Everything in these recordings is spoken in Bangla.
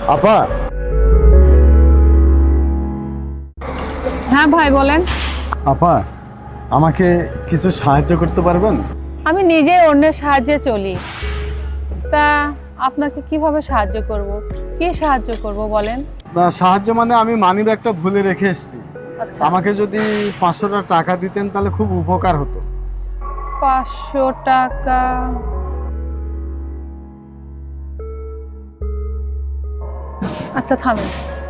আপা। হ্যাঁ ভাই বলেন। আপা, আমাকে কিছু সাহায্য করতে পারবেন? আমি নিজেই অন্যের সাহায্যে চলি, তা আপনাকে কিভাবে সাহায্য করব? কি সাহায্য করব বলেন। না, সাহায্য মানে আমি মানিব্যাগটা ভুলে রেখে এসেছি। আচ্ছা, আমাকে যদি 500 টাকা দিতেন তাহলে খুব উপকার হতো। 500 টাকা? আচ্ছা থামেন।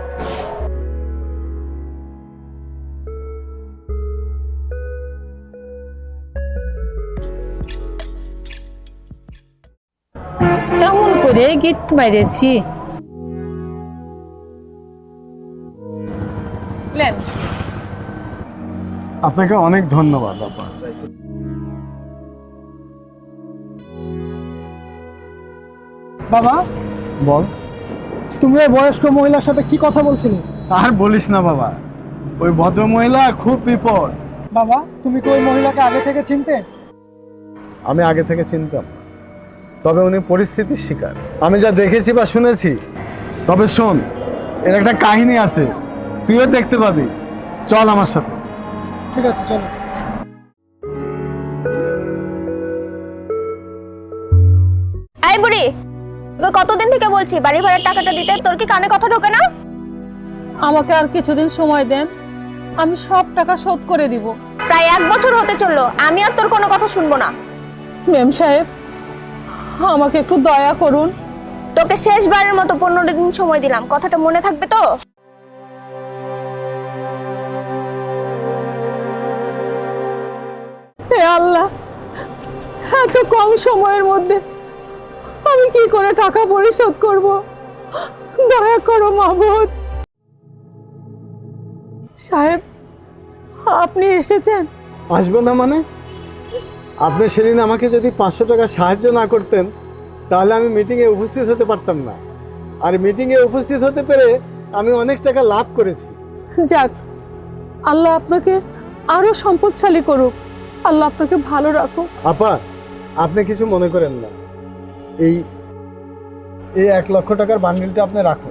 কেমন করে গিট মেরেছি লেন। আপনাকে অনেক ধন্যবাদ আপা। বাবা, বল। তুমি ওই বয়স্ক মহিলার সাথে কি কথা বলছিলে? আর বলিস না বাবা, ওই ভদ্র মহিলা খুব বিপদ। বাবা, তুমি কি ওই মহিলাকে আগে থেকে চিনতে? আমি আগে থেকে চিনতাম, তবে উনি পরিস্থিতির শিকার। আমি যা দেখেছি বা শুনেছি। তবে শোন, এর একটা কাহিনী আছে, তুইও দেখতে পাবি। চল আমার সাথে। ঠিক আছে, চলো। এই বুড়ি, তোকে কতদিন থেকে বলছি বাড়ি ভাড়ার টাকাটা দিতে, তোর কি কানে কথা ঢোকে না? আমাকে আর কিছুদিন সময় দেন, আমি সব টাকা শোধ করে দিব। প্রায় 1 বছর হতে চললো, আমি আর তোর কোনো কথা শুনবো না। মেম সাহেব, আমাকে একটু দয়া করুন। তোকে শেষবারের মতো 15 দিন সময় দিলাম, কথাটা মনে থাকবে তো? হে আল্লাহ, এত কম সময়ের মধ্যে আমি কি করে টাকা পরিশোধ করব? দয়া করো মাহবুব সাহেব, আপনি এসেছেন। আসবো না মানে? আপনি সেদিন আমাকে যদি 500 টাকা সাহায্য না করতেন তাহলে আমি মিটিংয়ে উপস্থিত হতে পারতাম না। আর মিটিংয়ে উপস্থিত হতে পেরে আমি অনেক টাকা লাভ করেছি। যাক, আল্লাহ আপনাকে আরো সম্পদশালী করুক, আল্লাহ আপনাকে ভালো রাখুক। আপা, আপনি কিছু মনে করেন না, এই এই 1 লক্ষ টাকার বান্ডিলটা আপনি রাখুন।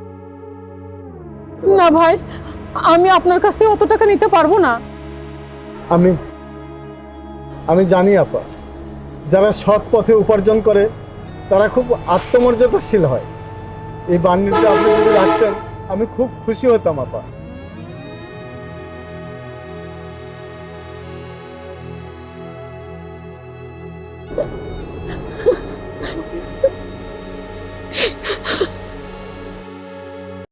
না ভাই, আমি আপনার কাছ থেকে অত টাকা নিতে পারবো না। আমি জানি আপা, যারা সৎ পথে উপার্জন করে তারা খুব আত্মমর্যাদাশীল হয়। এই বান্ডিলটা আপনি যদি রাখতেন আমি খুব খুশি হতাম আপা।